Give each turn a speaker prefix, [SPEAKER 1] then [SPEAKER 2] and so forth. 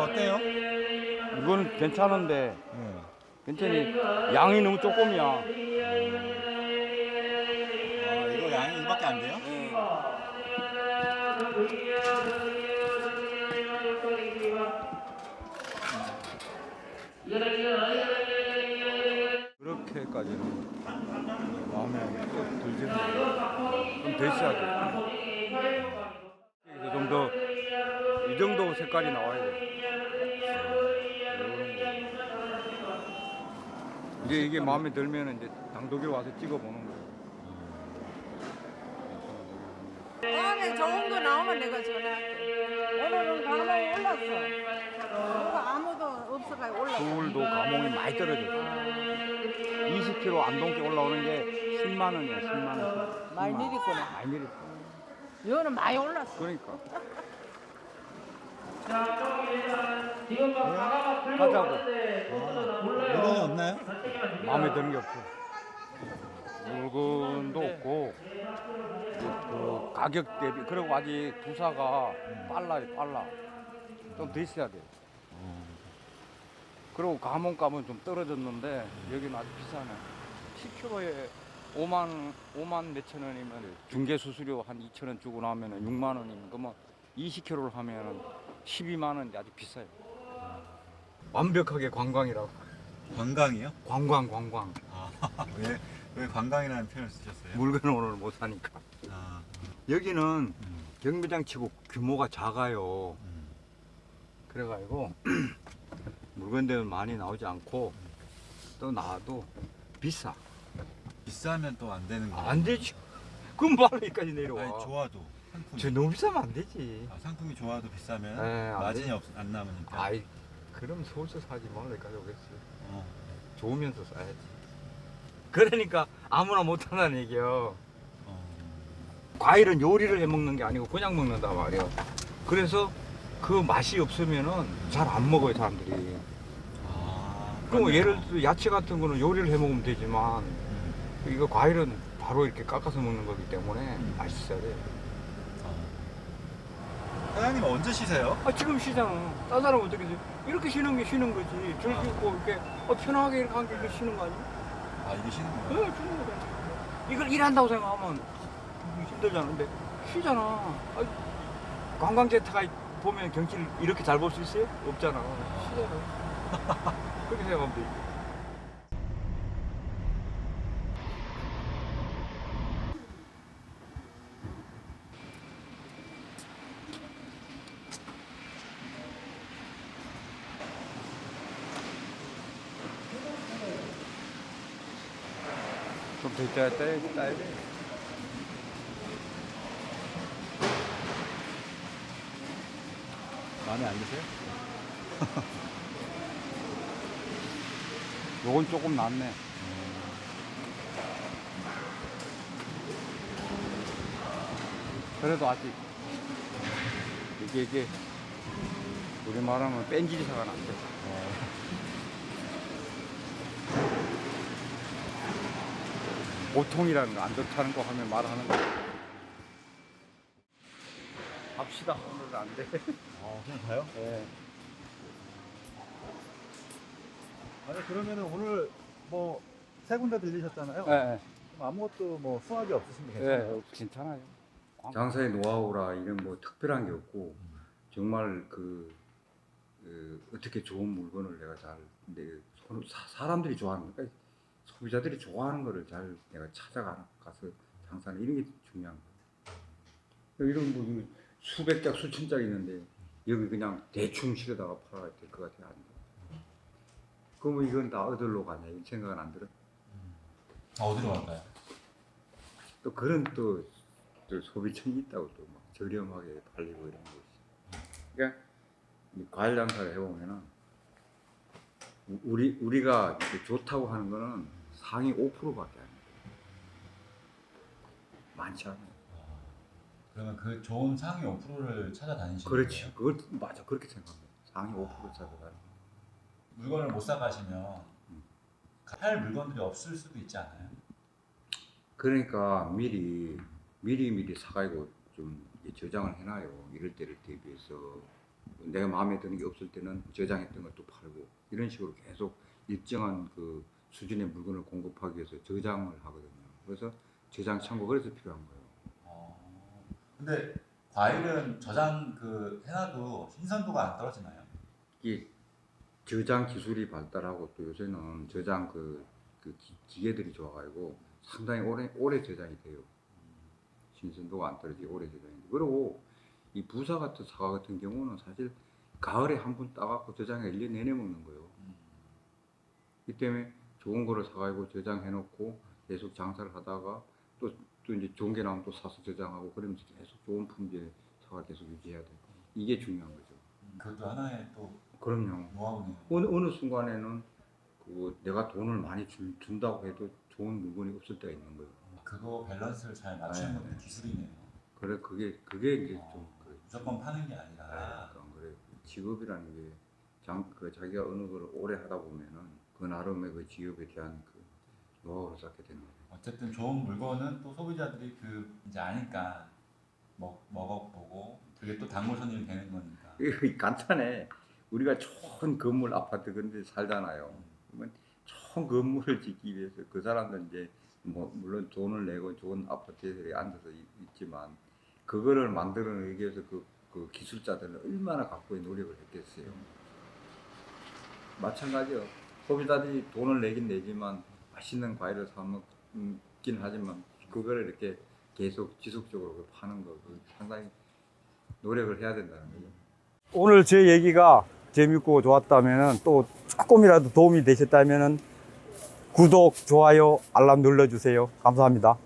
[SPEAKER 1] 어때요?
[SPEAKER 2] 이거는 괜찮은데
[SPEAKER 1] 네.
[SPEAKER 2] 괜찮이 양이 너무 조금이야.
[SPEAKER 1] 아, 이거 양이 이밖에 안 돼요?
[SPEAKER 2] 그렇게까지는 마음에 들지는 않아요. 좀 더 있어야 돼. 그래서 좀 더 이 정도 색깔이 나와야 돼. 이게 마음에 들면 이제 당독에 와서 찍어보는 거예요.
[SPEAKER 3] 다음에 좋은 거 나오면 내가 전화할게. 오늘은 감옥 올랐어. 누가 아무도 없어가지고 올랐어.
[SPEAKER 2] 서울도 감옥이 많이 떨어졌어. 20km 안동께 올라오는 게 10만 원이야, 10만 원.
[SPEAKER 3] 많이 내렸구나.
[SPEAKER 2] 많이 내렸어.
[SPEAKER 3] 이거는 많이 올랐어.
[SPEAKER 2] 그러니까.
[SPEAKER 1] 네?
[SPEAKER 2] 가자고.
[SPEAKER 1] 물건이 없나요?
[SPEAKER 2] 마음에 드는 게 없어. 물건도 없고 그 가격 대비 그리고 아직 부사가 빨라. 좀 더 있어야 돼. 그리고 감원값은 좀 떨어졌는데 여기는 아주 비싸네. 10kg에 5만 몇천 원이면 중개 수수료 한 2천 원 주고 나면은 6만 원이면 그러면 20kg를 하면은 12만 원인데 아주 비싸요. 완벽하게 관광이라고.
[SPEAKER 1] 관광이요?
[SPEAKER 2] 관광.
[SPEAKER 1] 아, 왜 관광이라는 표현을 쓰셨어요?
[SPEAKER 2] 물건을 오늘 못 사니까.
[SPEAKER 1] 아,
[SPEAKER 2] 여기는 경매장 치고 규모가 작아요.
[SPEAKER 1] 음.
[SPEAKER 2] 그래가지고 물건들은 많이 나오지 않고 또 나와도 비싸.
[SPEAKER 1] 비싸면 또 안 되는 거예요?
[SPEAKER 2] 안 되지. 그럼 말 여기까지 내려와.
[SPEAKER 1] 아니, 좋아도 상품이.
[SPEAKER 2] 저 너무 비싸면 안 되지.
[SPEAKER 1] 아, 상품이 좋아도 비싸면
[SPEAKER 2] 네, 안
[SPEAKER 1] 마진이
[SPEAKER 2] 돼요.
[SPEAKER 1] 안 남으니까.
[SPEAKER 2] 아이, 그럼 서울서 사지 말라 여기까지 오겠지.
[SPEAKER 1] 어.
[SPEAKER 2] 좋으면서 사야지. 그러니까 아무나 못한다는 얘기요.
[SPEAKER 1] 어.
[SPEAKER 2] 과일은 요리를 해 먹는 게 아니고 그냥 먹는다 말이야. 그래서 그 맛이 없으면은 잘 안 먹어요 사람들이.
[SPEAKER 1] 아,
[SPEAKER 2] 그럼
[SPEAKER 1] 그러네요.
[SPEAKER 2] 예를 들어 야채 같은 거는 요리를 해 먹으면 되지만 이거 과일은 바로 이렇게 깎아서 먹는 거기 때문에 맛있어야 돼.
[SPEAKER 1] 사장님 언제 쉬세요?
[SPEAKER 2] 아 지금 쉬잖아. 딴 사람 어떻게 쉬? 이렇게 쉬는 게 쉬는 거지. 줄 긋고 이렇게 편하게 이렇게 하는 게 이게 쉬는 거 아니야?
[SPEAKER 1] 아, 이게 쉬는
[SPEAKER 2] 네,
[SPEAKER 1] 거예요?
[SPEAKER 2] 쉬는 거잖아. 이걸 일한다고 생각하면 힘들잖아. 근데 쉬잖아. 아, 관광지에다가 보면 경치를 이렇게 잘 볼 수 있어요? 없잖아. 쉬잖아. 그렇게 생각하면 되지. 좀 더 있다가 따야 돼.
[SPEAKER 1] 마음에 안 드세요?
[SPEAKER 2] 요건 조금 낫네. 그래도 아직 이게 우리 말하면 뺀질이사가 안 돼. 보통이라는 거 안 좋다는 거 하면 말하는 거. 갑시다. 오늘은 안 돼.
[SPEAKER 1] 그냥 가요?
[SPEAKER 2] 네.
[SPEAKER 1] 아니, 그러면은 오늘 뭐 세 군데 들리셨잖아요.
[SPEAKER 2] 네.
[SPEAKER 1] 그럼 아무것도 뭐 수확이 없으신 게
[SPEAKER 2] 네, 괜찮아요. 장사의 노하우라 이런 뭐 특별한 게 없고 정말 어떻게 좋은 물건을 내가 사람들이 좋아하는 거니까 소비자들이 좋아하는 거를 잘 내가 찾아가서 장사하는 이런 게 중요한 거예요. 이런 뭐 이거 수백 짝 수천 짝 있는데 여기 그냥 대충 실어다가 팔아야 될 것 같아요. 안 돼. 그러면 이건 다 어디로 가냐 이런 생각은 안 들어.
[SPEAKER 1] 어디로 갈까요?
[SPEAKER 2] 또 그런 또 소비층이 있다고 또 막 저렴하게 팔리고 이런 거 있어. 그러니까 이 과일 장사를 해보면은 우리가 이렇게 좋다고 하는 거는 상위 5%밖에 안 돼. 많지 않아요.
[SPEAKER 1] 그러면 그 좋은 상위 5%를 찾아다니시는
[SPEAKER 2] 그렇지.
[SPEAKER 1] 거예요?
[SPEAKER 2] 그걸 맞아 그렇게 생각합니다. 상위 5% 찾아가는.
[SPEAKER 1] 물건을 못 사가시면 팔 물건들이 없을 수도 있지 않아요?
[SPEAKER 2] 그러니까 미리 사가지고 좀 저장을 해놔요. 이럴 때를 대비해서. 내가 마음에 드는 게 없을 때는 저장했던 것도 팔고 이런 식으로 계속 일정한 그 수준의 물건을 공급하기 위해서 저장을 하거든요. 그래서 저장 창고 그래서 필요한 거예요.
[SPEAKER 1] 근데 과일은 저장 해놔도 신선도가 안 떨어지나요?
[SPEAKER 2] 이게 저장 기술이 발달하고 또 요새는 저장 기계들이 좋아가지고 상당히 오래 저장이 돼요. 신선도가 안 떨어지고 오래 저장이 돼요. 그리고 이 부사 같은 사과 같은 경우는 사실 가을에 한 번 따갖고 저장해 1년 내내 먹는 거예요. 이 때문에 좋은 거를 사가지고 저장해놓고 계속 장사를 하다가 또 이제 좋은 게 나오면 또 사서 저장하고 그러면서 계속 좋은 품질의 사과를 계속 유지해야 돼요. 이게 중요한 거죠.
[SPEAKER 1] 그것도 하나의 또
[SPEAKER 2] 그럼요.
[SPEAKER 1] 노하우네요.
[SPEAKER 2] 어느 순간에는 내가 돈을 많이 준다고 해도 좋은 물건이 없을 때가 있는 거예요.
[SPEAKER 1] 그거 밸런스를 잘 맞추는
[SPEAKER 2] 네,
[SPEAKER 1] 것도
[SPEAKER 2] 네.
[SPEAKER 1] 기술이네요.
[SPEAKER 2] 그래 그게 이제 좀 그래.
[SPEAKER 1] 무조건 파는 게 아니라.
[SPEAKER 2] 그런 그래. 직업이라는 게 자기가 어느 걸 오래 하다 보면은 그 나름의 그 직업에 대한 그 노하우를 쌓게 되는 거예요.
[SPEAKER 1] 어쨌든 좋은 물건은 또 소비자들이 이제 아니까 먹어보고 그게 또 단골 손님이 되는 거니까.
[SPEAKER 2] 이거 간단해. 우리가 좋은 건물 아파트 그런 데 살잖아요. 그러면 좋은 건물을 짓기 위해서 그 사람들 이제 뭐 물론 돈을 내고 좋은 아파트에 앉아서 있지만 그거를 만들어내기 위해서 그 기술자들은 얼마나 각고의 노력을 했겠어요. 마찬가지요. 소비자들이 돈을 내긴 내지만 맛있는 과일을 사 먹긴 하지만 그거를 이렇게 계속 지속적으로 파는 거 상당히 노력을 해야 된다는 거죠.
[SPEAKER 4] 오늘 제 얘기가 재밌고 좋았다면 또 조금이라도 도움이 되셨다면 구독, 좋아요, 알람 눌러주세요. 감사합니다.